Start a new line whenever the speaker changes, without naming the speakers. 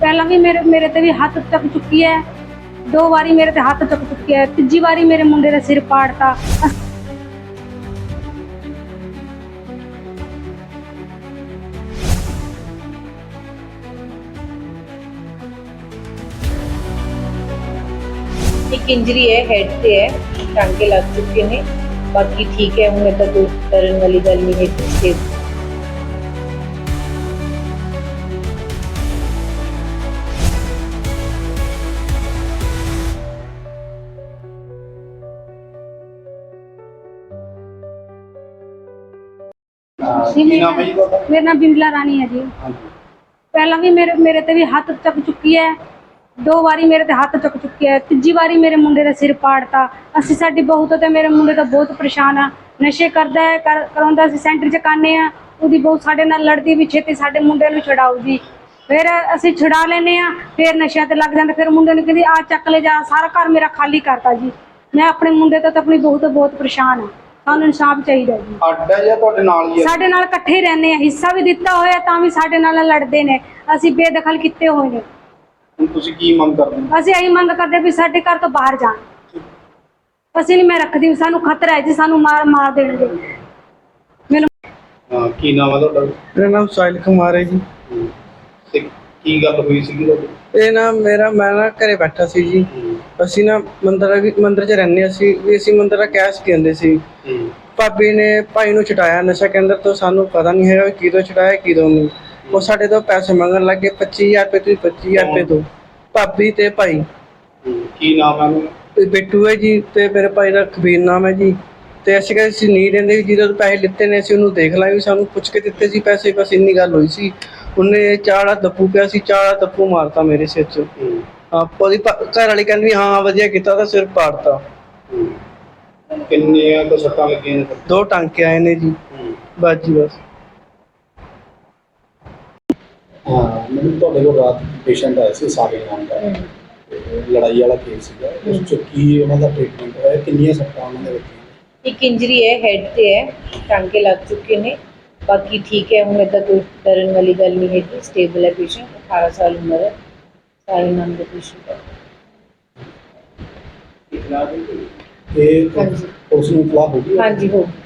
ਪਹਿਲਾਂ ਵੀ ਮੇਰੇ ਤੇ ਵੀ ਹੱਥ ਚੱਕ ਚੁੱਕੀ ਹੈ। 2 ਵਾਰੀ ਮੇਰੇ ਤੇ ਹੱਥ ਚੱਕ ਚੁੱਕੀ ਹੈ। ਤੀਜੀ ਵਾਰੀ ਮੇਰੇ ਮੁੰਡੇ ਦਾ ਸਿਰ ਪਾੜਤਾ।
एक इंजरी है, हेड से है, टांके लग चुके हैं। बाकी ठीक है, हूँ तो कोई डरन वाली गल नहीं है। सेफ
मेरा नाम बिमला रानी है जी। पहला भी मेरे ते भी हੱਥ ਚੱਕ ਚੁੱਕੀ ਹੈ। 2 ਵਾਰੀ ਮੇਰੇ ਤੇ ਹੱਥ ਚੱਕ ਚੁੱਕੀ ਹੈ। ਤੀਜੀ ਵਾਰੀ ਮੇਰੇ ਮੁੰਡੇ ਦਾ ਸਿਰ ਪਾੜਤਾ। ਅਸੀਂ ਸਾਡੀ ਬਹੂ ਤੋਂ ਤੇ ਮੇਰੇ ਮੁੰਡੇ ਤੋਂ ਬਹੁਤ ਪਰੇਸ਼ਾਨ ਆ। ਨਸ਼ੇ ਕਰਦਾ ਹੈ, ਕਰਾਉਂਦਾ। ਅਸੀਂ ਸੈਂਟਰ 'ਚ ਕਾਨੇ ਆ। ਉਹਦੀ ਬਹੂ ਸਾਡੇ ਨਾਲ ਲੜਦੀ ਵੀ ਛੇਤੀ ਸਾਡੇ ਮੁੰਡੇ ਨੂੰ ਛਡਾਊਗੀ। ਫਿਰ ਅਸੀਂ ਛੁਡਾ ਲੈਂਦੇ ਆ, ਫਿਰ ਨਸ਼ਿਆਂ ਤੇ ਲੱਗ ਜਾਂਦੇ। ਫਿਰ ਮੁੰਡੇ ਨੂੰ ਕਹਿੰਦੀ ਆ ਚੱਕ ਲੈ ਜਾ। ਸਾਰਾ ਘਰ ਮੇਰਾ ਖਾਲੀ ਕਰਤਾ ਜੀ। ਮੈਂ ਆਪਣੇ ਮੁੰਡੇ ਤੋਂ ਤੇ ਆਪਣੀ ਬਹੂ ਤੋਂ ਬਹੁਤ ਪਰੇਸ਼ਾਨ ਆ। ਸਾਨੂੰ ਇਨਸਾਫ ਚਾਹੀਦਾ ਜੀ।
ਅੱਡਾ ਜਾਂ ਤੁਹਾਡੇ ਨਾਲ ਹੀ ਹੈ?
ਸਾਡੇ ਨਾਲ ਇਕੱਠੇ ਹੀ ਰਹਿੰਦੇ ਆ। ਹਿੱਸਾ ਵੀ ਦਿੱਤਾ ਹੋਇਆ ਤਾਂ ਵੀ ਸਾਡੇ ਨਾਲ ਲੜਦੇ ਨੇ। ਅਸੀਂ ਬੇਦਖਲ ਕੀਤੇ ਹੋਏ ਨੇ।
ਹੁਣ ਤੁਸੀਂ ਕੀ ਮੰਗ ਕਰਦੇ ਹੋ?
ਅਸੀਂ ਇਹੀ ਮੰਗ ਕਰਦੇ ਵੀ ਸਾਡੇ ਘਰ ਤੋਂ ਬਾਹਰ ਜਾਣ। ਅਸੀਂ ਨਹੀਂ ਮੈਂ ਰੱਖਦੀ, ਸਾਨੂੰ ਖਤਰਾ ਹੈ ਜੀ। ਸਾਨੂੰ ਮਾਰ ਦੇਣਗੇ। ਮੈਨੂੰ
ਕੀ ਨਾਮ ਹੈ ਤੁਹਾਡਾ?
ਮੇਰਾ ਨਾਮ ਸਾਹਿਲ ਕੁਮਾਰ ਹੈ ਜੀ।
ਤੇ ਕੀ ਗੱਲ ਹੋਈ ਸੀਗੀ ਤੁਹਾਡੀ?
ਇਹ ਨਾ ਮੈਂ ਘਰੇ ਬੈਠਾ ਸੀ ਜੀ। ਅਸੀਂ ਨਾ ਮੰਦਰ 'ਚ ਰਹਿੰਦੇ ਅਸੀਂ ਮੰਦਰ ਦਾ ਕੈਸ਼ ਕਹਿੰਦੇ ਸੀ। ਭਾਬੀ ਨੇ ਭਾਈ ਨੂੰ ਛੁਡਾਇਆ ਨਸ਼ਾ ਕੇਂਦਰ ਤੋਂ। ਸਾਨੂੰ ਪਤਾ ਨਹੀਂ ਹੈਗਾ ਕਿਦੋਂ ਛੁਡਾਇਆ ਕਿਦੋਂ ਨਹੀਂ। ਉਹ ਸਾਡੇ ਤੋਂ ਪੈਸੇ ਮੰਗਣ ਲੱਗੇ 25000 ਰੁਪਏ। ਤੁਸੀਂ 25000 ਰੁਪਏ ਦਿਓ। ਭਾਬੀ ਤੇ ਭਾਈ।
ਕੀ ਨਾਮ ਹੈ ਉਹਨਾਂ ਦਾ?
ਬਿੱਟੂ ਹੈ ਜੀ ਤੇ ਮੇਰੇ ਭਾਈ ਦਾ ਕਬੀਰ ਨਾਮ ਹੈ ਜੀ। ਤੇ ਅਸੀਂ ਕਹਿੰਦੇ ਅਸੀਂ ਨਹੀਂ ਦਿੰਦੇ ਵੀ ਜਿਹਦੇ ਤੋਂ ਪੈਸੇ ਲਿੱਤੇ ਨੇ ਅਸੀਂ ਉਹਨੂੰ ਦੇਖ ਲਾਂਗੇ। ਸਾਨੂੰ ਪੁੱਛ ਕੇ ਦਿੱਤੇ ਸੀ ਪੈਸੇ, ਬਸ ਇੰਨੀ ਗੱਲ ਹੋਈ ਸੀ। ਉਹਨੇ ਚਾੜਾ ਦੱਪੂ ਪਿਆ ਸੀ, ਚਾੜਾ ਦੱਪੂ ਮਾਰਤਾ ਮੇਰੇ ਸਿਰ 'ਚ। ਉਹਦੀ ਘਰ ਵਾਲੀ ਕਹਿੰਦੀ ਹਾਂ ਵਧੀਆ ਕੀਤਾ, ਤਾਂ ਸਿਰ ਪਾੜਤਾ।
ਕਿੰਨੀਆਂ ਕੁ ਸੱਟਾਂ ਲੱਗੀਆਂ ਨੇ?
2 ਟਾਂਕੇ ਆਏ ਨੇ ਜੀ। ਬਸ ਜੀ ਬਸ।
ਮੈਨੂੰ ਤੁਹਾਡੇ ਕੋਲ ਰਾਤ ਪੇਸ਼ੈਂਟ ਆਇਆ ਸੀ ਸਾਬਿਰ ਨਾਮ ਦਾ, ਲੜਾਈ ਵਾਲਾ ਕੇਸ ਸੀਗਾ। ਉਸ 'ਚ ਕੀ ਉਹਨਾਂ ਦਾ ਟ੍ਰੀਟਮੈਂਟ ਹੋਇਆ? ਕਿੰਨੀਆਂ ਸੱਟਾਂ ਉਹਨਾਂ ਦੇ ਵਿੱਚ?
एक इंजरी है, हेड से है, टांके लग चुके हैं। बाकी ठीक है, हूँ तो कोई डरन वाली गल नहीं है। स्टेबल है पेशेंट। 18 साल उम्र है। सारे नाम का पेशेंट है।
ਇਹ ਉਸ ਨੂੰ ਇਤਲਾਹ ਹੋ ਗਈ?
हाँ जी, हो